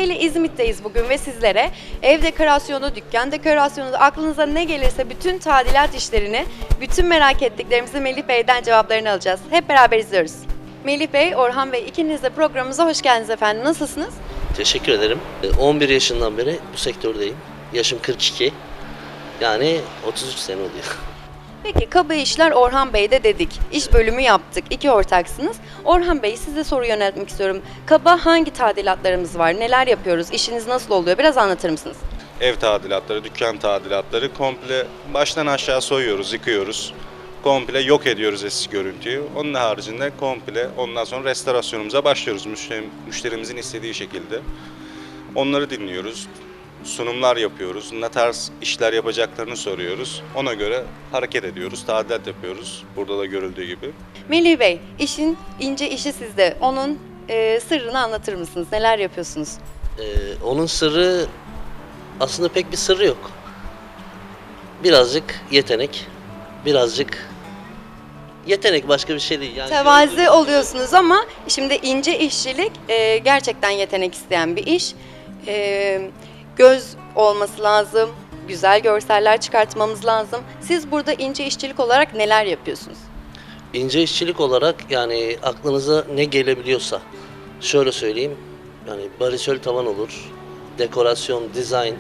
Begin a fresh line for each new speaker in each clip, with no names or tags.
Sevgili İzmit'teyiz bugün ve sizlere ev dekorasyonu, dükkan dekorasyonu, aklınıza ne gelirse bütün tadilat işlerini, bütün merak ettiklerimizi Melih Bey'den cevaplarını alacağız. Hep beraber izliyoruz. Melih Bey, Orhan Bey ikiniz de programımıza hoş geldiniz efendim. Nasılsınız?
Teşekkür ederim. 11 yaşından beri bu sektördeyim. Yaşım 42. Yani 33 sene oluyor.
Peki kaba işler Orhan Bey'de dedik. İş bölümü yaptık. İki ortaksınız. Orhan Bey size soru yöneltmek istiyorum. Kaba hangi tadilatlarımız var? Neler yapıyoruz? İşiniz nasıl oluyor? Biraz anlatır mısınız?
Ev tadilatları, dükkan tadilatları komple baştan aşağı soyuyoruz, yıkıyoruz. Komple yok ediyoruz eski görüntüyü. Onun haricinde komple ondan sonra restorasyonumuza başlıyoruz müşterimizin istediği şekilde. Onları dinliyoruz. Sunumlar yapıyoruz. Ne tarz işler yapacaklarını soruyoruz. Ona göre hareket ediyoruz, tadilat yapıyoruz. Burada da görüldüğü gibi.
Melih Bey, işin ince işi sizde. Onun sırrını anlatır mısınız? Neler yapıyorsunuz?
Onun sırrı aslında pek bir sırrı yok. Birazcık yetenek, birazcık yetenek başka bir şey değil. Yani
Tevazi oluyorsunuz ama şimdi ince işçilik gerçekten yetenek isteyen bir iş. Göz olması lazım, güzel görseller çıkartmamız lazım. Siz burada ince işçilik olarak neler yapıyorsunuz?
İnce işçilik olarak yani aklınıza ne gelebiliyorsa şöyle söyleyeyim. Yani barisöl tavan olur, dekorasyon, dizayn,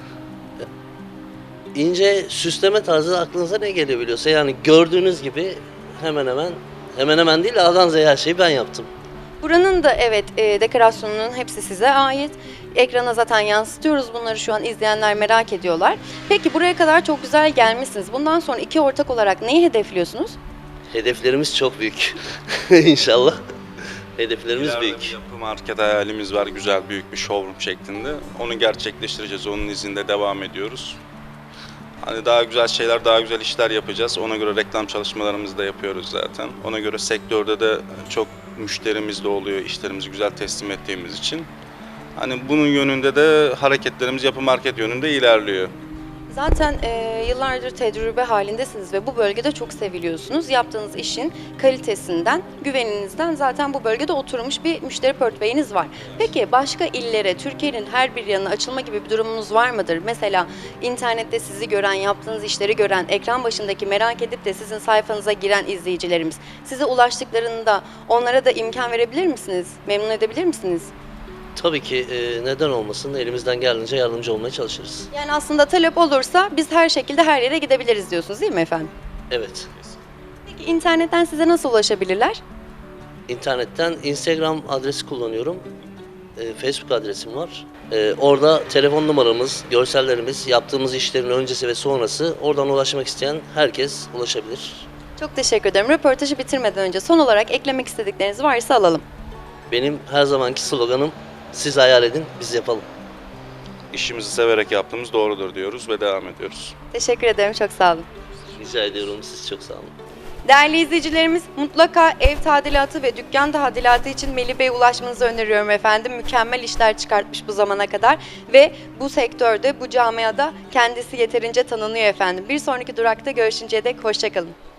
ince süsleme tarzı aklınıza ne gelebiliyorsa yani gördüğünüz gibi hemen hemen değil A'dan Z'ye her şeyi ben yaptım.
Buranın da evet dekorasyonunun hepsi size ait. Ekrana zaten yansıtıyoruz bunları, şu an izleyenler merak ediyorlar. Peki buraya kadar çok güzel gelmişsiniz. Bundan sonra iki ortak olarak neyi hedefliyorsunuz?
Hedeflerimiz çok büyük. İnşallah. Hedeflerimiz
İleride
büyük.
bir yapı market hayalimiz var, güzel büyük bir showroom şeklinde. Onu gerçekleştireceğiz, onun izinde devam ediyoruz. Hani daha güzel şeyler, daha güzel işler yapacağız. Ona göre reklam çalışmalarımızı da yapıyoruz zaten. Ona göre sektörde de çok müşterimiz de oluyor, işlerimizi güzel teslim ettiğimiz için. Hani bunun yönünde de hareketlerimiz yapı market yönünde ilerliyor.
Zaten yıllardır tecrübe halindesiniz ve bu bölgede çok seviliyorsunuz. Yaptığınız işin kalitesinden, güveninizden zaten bu bölgede oturmuş bir müşteri portföyünüz var. Peki başka illere, Türkiye'nin her bir yanına açılma gibi bir durumunuz var mıdır? Mesela internette sizi gören, yaptığınız işleri gören, ekran başındaki merak edip de sizin sayfanıza giren izleyicilerimiz size ulaştıklarında onlara da imkan verebilir misiniz? Memnun edebilir misiniz?
Tabii ki neden olmasın, elimizden geldiğince yardımcı olmaya çalışırız.
Yani aslında talep olursa biz her şekilde her yere gidebiliriz diyorsunuz değil mi efendim?
Evet.
Peki internetten size nasıl ulaşabilirler?
İnternetten Instagram adresi kullanıyorum. Facebook adresim var. Orada telefon numaramız, görsellerimiz, yaptığımız işlerin öncesi ve sonrası, oradan ulaşmak isteyen herkes ulaşabilir.
Çok teşekkür ederim. Röportajı bitirmeden önce son olarak eklemek istedikleriniz varsa alalım.
Benim her zamanki sloganım, siz hayal edin, biz yapalım.
İşimizi severek yaptığımız doğrudur diyoruz ve devam ediyoruz.
Teşekkür ederim. Çok sağ olun.
Rica ediyorum, siz çok sağ olun.
Değerli izleyicilerimiz, mutlaka ev tadilatı ve dükkan tadilatı için Melih Bey'e ulaşmanızı öneriyorum efendim. Mükemmel işler çıkartmış bu zamana kadar ve bu sektörde, bu camiada kendisi yeterince tanınıyor efendim. Bir sonraki durakta görüşünceye dek hoşça kalın.